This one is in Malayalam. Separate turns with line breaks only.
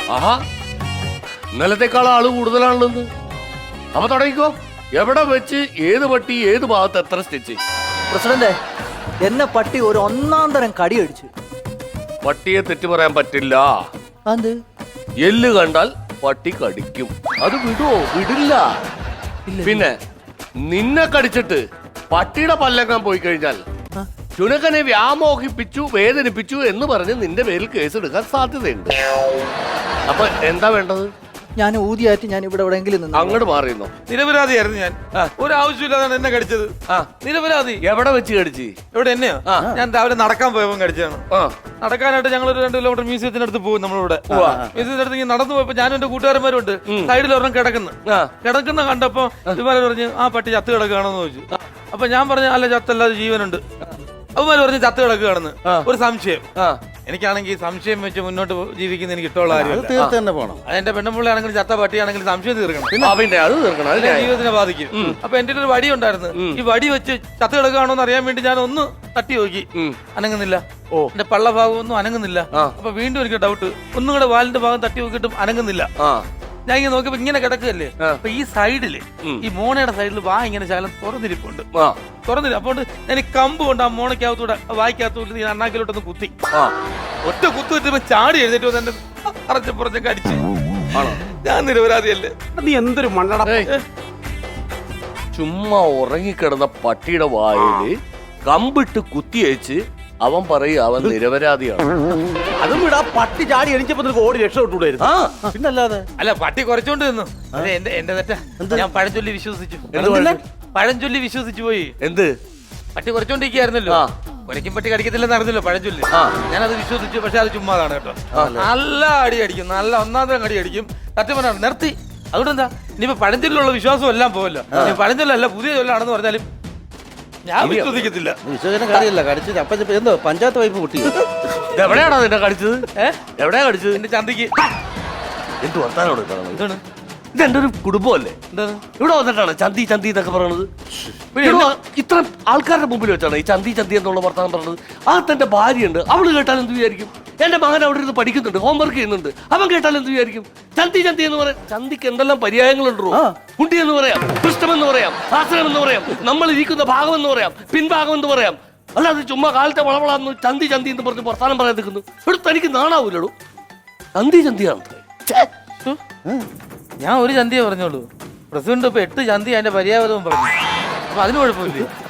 ആഹാ, ഇന്നലത്തെക്കാൾ ആള് കൂടുതലാണല്ലോ. അപ്പൊ തുടങ്ങിക്കോ. എവിടെ വെച്ച് ഏത് പട്ടി ഏത് ഭാഗത്ത് എത്ര സ്റ്റിച്ച്?
പ്രസിഡന്റ്, എന്നെ പട്ടി ഒരു ഒന്നാം തരം കടി അടിച്ചു.
പട്ടിയെ തെറ്റ് പറയാൻ പറ്റില്ല.
അത്
എല്ല് കണ്ടാൽ പട്ടി കടിക്കും. അത് വിടുവോ? വിടില്ല. പിന്നെ നിന്നെ കടിച്ചിട്ട് പട്ടിയുടെ പല്ലക്കാൻ പോയി കഴിഞ്ഞാൽ ചുണക്കനെ വ്യാമോഹിപ്പിച്ചു, വേദനിപ്പിച്ചു എന്ന് പറഞ്ഞ് നിന്റെ പേരിൽ കേസ് എടുക്കാൻ സാധ്യതയുണ്ട്. അപ്പൊ എന്താ വേണ്ടത്?
ഞാൻ ഊതിയായിട്ട് ഞാൻ ഇവിടെ എവിടെയെങ്കിലും നിന്ന്
അങ്ങോട്ട് മാറിയുന്നോ?
നിരപരാധിയായിരുന്നു ഞാൻ. ഒരു ആവശ്യമില്ലാതാണ് എന്നെ കടിച്ചത്. നിരപരാധി.
എവിടെ വെച്ച് കടിച്ച്?
എവിടെ എന്നെയോ? ഞാൻ രാവിലെ നടക്കാൻ പോയപ്പോ കടിച്ചതാണ്. നടക്കാനായിട്ട് ഞങ്ങൾ ഒരു 2 കിലോമീറ്റർ മ്യൂസിയത്തിന്റെ അടുത്ത് പോകും. നമ്മളിവിടെ മ്യൂസിയത്തിന്റെ അടുത്ത് ഇങ്ങനെ നടന്നു പോയപ്പോ ഞാനും എന്റെ കൂട്ടുകാരന്മാരും ഉണ്ട്. സൈഡിൽ ഒരെണ്ണം കിടക്കുന്ന കണ്ടപ്പോ ഇവര് പറഞ്ഞ് ആ പട്ടി ചത്ത് കിടക്കുകയാണെന്ന് ചോദിച്ചു. അപ്പൊ ഞാൻ പറഞ്ഞു അല്ല, ചത്തല്ലാതെ ജീവനുണ്ട്. അവന്മാര് പറഞ്ഞ് ചത്ത് കിടക്കുകയാണെന്ന്. ഒരു സംശയം. എനിക്കാണെങ്കിൽ സംശയം വെച്ച് മുന്നോട്ട് ജീവിക്കുന്ന എനിക്ക് ഇഷ്ടമുള്ള കാര്യം. എന്റെ പെണ്ണുമ്പിള്ളയാണെങ്കിൽ ചത്ത പട്ടിയാണെങ്കിൽ സംശയം തീർക്കണം. ജീവിതത്തിനെ ബാധിക്കും. അപ്പൊ എന്റെ ഒരു വടി ഉണ്ടായിരുന്നു. ഈ വടി വെച്ച് ചത്ത് കിടക്കുകയാണോ എന്ന് അറിയാൻ വേണ്ടി ഞാൻ ഒന്ന് തട്ടി നോക്കി. അനങ്ങുന്നില്ല. എന്റെ പള്ള ഭാഗം ഒന്നും അനങ്ങുന്നില്ല. അപ്പൊ വീണ്ടും എനിക്ക് ഡൗട്ട്. ഒന്നും കൂടെ വാലിന്റെ ഭാഗം തട്ടി നോക്കിയിട്ടും അനങ്ങുന്നില്ല. ഞാൻ ഇങ്ങനെ നോക്കിയപ്പോ ഇങ്ങനെ കിടക്കുകയല്ലേ. അപ്പൊ ഈ സൈഡില്, ഈ മോണയുടെ സൈഡിൽ വാ ഇങ്ങനെ ശകലം തുറന്നിരിപ്പുണ്ട്. അപ്പൊ ഞാൻ ഈ കമ്പ് കൊണ്ട് ആ മോണയ്ക്കകത്തൂടെ വായിക്കകത്തൂടെ ഈ അണ്ണാക്കിലോട്ടൊന്ന് കുത്തി. ഒറ്റ കുത്തു കിട്ടുമ്പോ ചാടി എഴുന്നേറ്റ് വന്ന് എന്റെ അറച്ചപ്പുറത്തേക്ക് അടിച്ചു. ഞാൻ നിരപരാധിയല്ലേ?
നീ എന്തൊരു മണ്ണട.
ചുമ്മാ ഉറങ്ങിക്കിടന്ന പട്ടിയുടെ വായില് കമ്പിട്ട് കുത്തിയച്ച് അവൻ പറയും അവൻ നിരപരാധിയാണ്.
അതും വിടാ, പട്ടി ചാടി എണിച്ചപ്പോ ഓടി രക്ഷപ്പെട്ടുകൂടായിരുന്നു. പിന്നല്ലാതെ.
അല്ല, പട്ടി കുറച്ചോണ്ട് നിന്നു. എന്റെ തെറ്റാ. ഞാൻ പഴഞ്ചൊല്ലി വിശ്വസിച്ചു. പഴഞ്ചൊല്ലി വിശ്വസിച്ചു പോയി.
എന്ത്?
പട്ടി കുറച്ചോണ്ടിരിക്കുകയായിരുന്നല്ലോ. ഒരയ്ക്കും പട്ടി കടിക്കത്തില്ലെന്ന് അറിഞ്ഞല്ലോ പഴഞ്ചൊല്ലി. ഞാനത് വിശ്വസിച്ചു. പക്ഷെ അത് ചുമ്മാതാണ് കേട്ടോ. നല്ല അടി അടിക്കും, നല്ല ഒന്നാമത്തെ അടി അടിക്കും. സത്യം പറഞ്ഞാൽ നിർത്തി. അതുകൊണ്ട് എന്താ, ഇനിയിപ്പോ പഴഞ്ചൊല്ലിലുള്ള വിശ്വാസം എല്ലാം പോവല്ലോ. പഴഞ്ചൊല്ലല്ല, പുതിയ ചൊല്ലാണെന്ന് പറഞ്ഞാലും ഞാൻ വിശ്വസിക്കത്തില്ല.
വിശ്വസിക്കുന്ന കാര്യമല്ല, കടിച്ചത് അപ്പൊ എന്തോ പഞ്ചായത്ത് വൈപ്പ് പൊട്ടി.
എവിടെയാണോ നിന്നെ കടിച്ചത്? എവിടെയാ കടിച്ചത്?
എന്റെ ചന്തിക്ക്.
എന്ത് വർത്താനോട് ഇതാണ്? ഇതെന്റെ ഒരു കുടുംബമല്ലേ? ഇവിടെ വന്നിട്ടാണ് ചന്തി ചന്തി എന്നൊക്കെ പറയണത്. ഇത്ര ആൾക്കാരുടെ മുമ്പിൽ വെച്ചാണ് ഈ ചന്തി ചന്തി എന്നുള്ള വർത്താനം പറഞ്ഞത്. അകത്തെന്റെ ഭാര്യയുണ്ട്, അവള് കേട്ടാൽ എന്ത് വിചാരിക്കും? എന്റെ മകൻ അവിടെ ഇരുന്ന് പഠിക്കുന്നുണ്ട്, ഹോംവർക്ക് ചെയ്യുന്നുണ്ട്, അവൻ കേട്ടാൽ എന്ത് വിചാരിക്കും? ചന്തി ചന്തി എന്ന് പറയാം. ചന്തിക്ക് എന്തെല്ലാം പര്യായങ്ങളുണ്ടോ? കുട്ടി എന്ന് പറയാം, പൃഷ്ഠം എന്ന് പറയാം, ആശ്രയം എന്ന് പറയാം, നമ്മൾ ഇരിക്കുന്ന ഭാഗം എന്ന് പറയാം, പിൻഭാഗം എന്ന് പറയാം. അല്ലാതെ ചുമ്മാ കാലത്തെ വളവളാന്ന് ചന്തി ചന്തി എന്ന് പറഞ്ഞ് വർത്താനം പറയാൻ നിൽക്കുന്നു. ഇവിടെ തനിക്ക് നാണാവൂലോ? ചന്തി ചന്തിയാണ്.
ഞാൻ ഒരു ചന്തിയെ പറഞ്ഞോളൂ. പ്രസിഡന്റ് ഇപ്പൊ 8 ചന്തി അതിന്റെ പര്യാവതവും പറഞ്ഞു. അപ്പൊ അതിന് കുഴപ്പമില്ലേ?